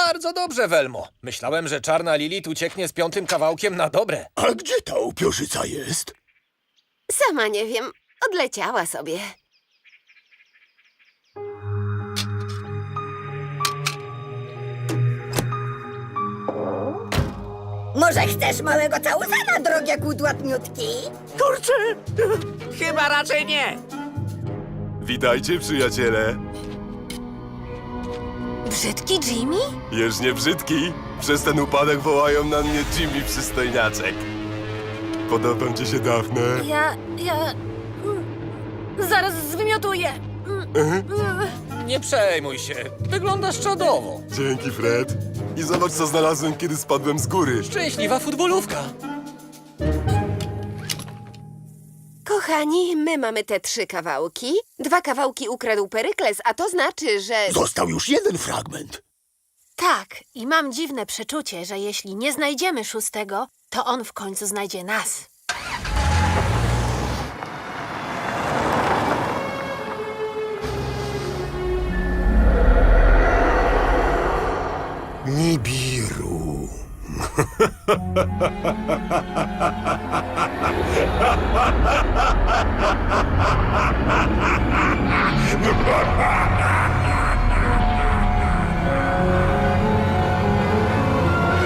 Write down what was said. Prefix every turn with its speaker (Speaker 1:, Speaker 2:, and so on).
Speaker 1: Bardzo dobrze, Welmo. Myślałem, że czarna Lilith ucieknie z 5. kawałkiem na dobre.
Speaker 2: A gdzie ta upiorzyca jest?
Speaker 3: Sama nie wiem. Odleciała sobie.
Speaker 4: Może chcesz małego całusana, drogie kudłatniutki?
Speaker 2: Kurczę!
Speaker 5: Chyba raczej nie.
Speaker 6: Witajcie, przyjaciele.
Speaker 3: Brzydki Jimmy?
Speaker 6: Już nie brzydki. Przez ten upadek wołają na mnie Jimmy Przystojniaczek. Podobam ci się, Dafne?
Speaker 3: Zaraz zwymiotuję.
Speaker 1: Nie przejmuj się. Wyglądasz czadowo.
Speaker 6: Dzięki, Fred. I zobacz, co znalazłem, kiedy spadłem z góry.
Speaker 1: Szczęśliwa futbolówka.
Speaker 3: Kochani, my mamy te 3 kawałki. 2 kawałki ukradł Perykles, a to znaczy, że...
Speaker 2: Został już jeden fragment.
Speaker 7: Tak, i mam dziwne przeczucie, że jeśli nie znajdziemy 6., to on w końcu znajdzie nas.
Speaker 2: Nibiru.